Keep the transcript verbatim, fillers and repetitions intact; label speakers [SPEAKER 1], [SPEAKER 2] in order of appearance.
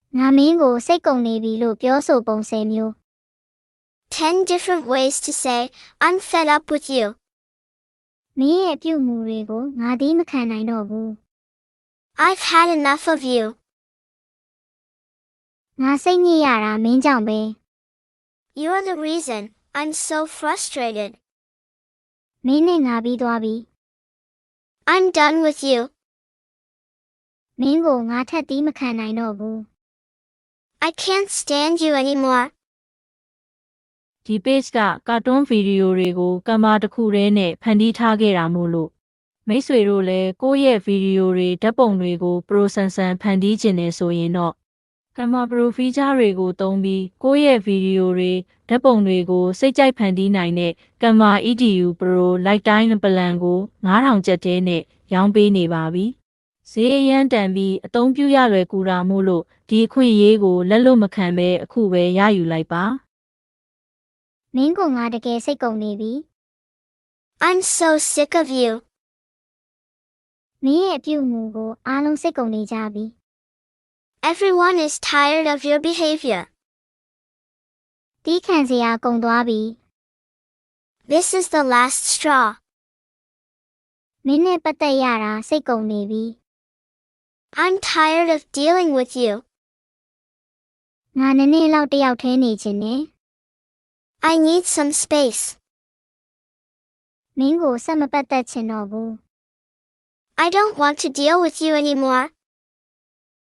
[SPEAKER 1] ငါမင်းကိုစိတ်ကုန်နေပြီလို့ပြောဆိုပုံစံမျိုး
[SPEAKER 2] ten different ways to say, I'm fed up with you.
[SPEAKER 1] မင်းရဲ့ပြုမှုတွေကိုငါသည်မခံနိုင်တော့ဘူး
[SPEAKER 2] I've had enough of you.
[SPEAKER 1] ငါစိတ်ညစ်ရတာမင်းကြောင့်ပဲ
[SPEAKER 2] You're the reason I'm so frustrated.
[SPEAKER 1] မင်းနဲ့ငါပြီးသွားပြီ
[SPEAKER 2] I'm done with you.
[SPEAKER 1] မင်းကိုငါထပ်သည်မခံနိုင်တော့ဘူး
[SPEAKER 2] I can't stand you anymore.
[SPEAKER 3] ဒီ page ကကာတွန်းဗီဒီယိုတွေကိုကင်မရာတစ်ခုတည်းနဲ့ဖန်တီးထားခဲ့တာမို့လို့မိတ်ဆွေတို့လည်းကိုယ့်ရဲ့ဗီဒီယိုတွေဓာတ်ပုံတွေကို Pro ဆန်ဆန်ဖန်တီးခြင်းနဲ့ဆိုရင်တော့ကင်မရာ Pro feature တွေကိုသုံးပြီးကိုယ့်ရဲ့ဗီဒီယိုတွေဓာတ်ပုံတွေကိုစိတ်ကြိုက်ဖန်တီးနိုင်တဲ့ကင်မရာ E D U Pro Lifetime Plan ကိုငါးထောင်ကျပ်သေးနဲ့ရောင်းပေးနေပါပြီ။ဈေးအရန်တန်ပြီးအသုံးပြုရလွယ်ကူတာမို့လို့ဒီအခွင့်အရေးကိုလက်လွတ်မခံပဲအခုပဲရယူလိုက်ပါ
[SPEAKER 1] မင်းကိုငါတကယ်စိတ်ကုန်နေပြီ
[SPEAKER 2] I'm so sick of you.
[SPEAKER 1] မင်းရဲ့ပြုမှုကိုအားလုံးစိတ်ကုန်နေကြပြီ
[SPEAKER 2] Everyone is tired of your behavior.
[SPEAKER 1] တီးခံစရာကုန်သွားပြီ
[SPEAKER 2] This is the last straw.
[SPEAKER 1] မင်းနဲ့ပတ်သက်ရတာစိတ်ကုန်နေပြီ
[SPEAKER 2] I'm tired of dealing with you.
[SPEAKER 1] ငါနည်းနည်းလောက်တယောက်ထဲနေခြင်းနဲ့
[SPEAKER 2] I need some space.
[SPEAKER 1] မင်းကိုဆက်မပတ်သက်ချင်တော့ဘူး
[SPEAKER 2] I don't want to deal with you anymore.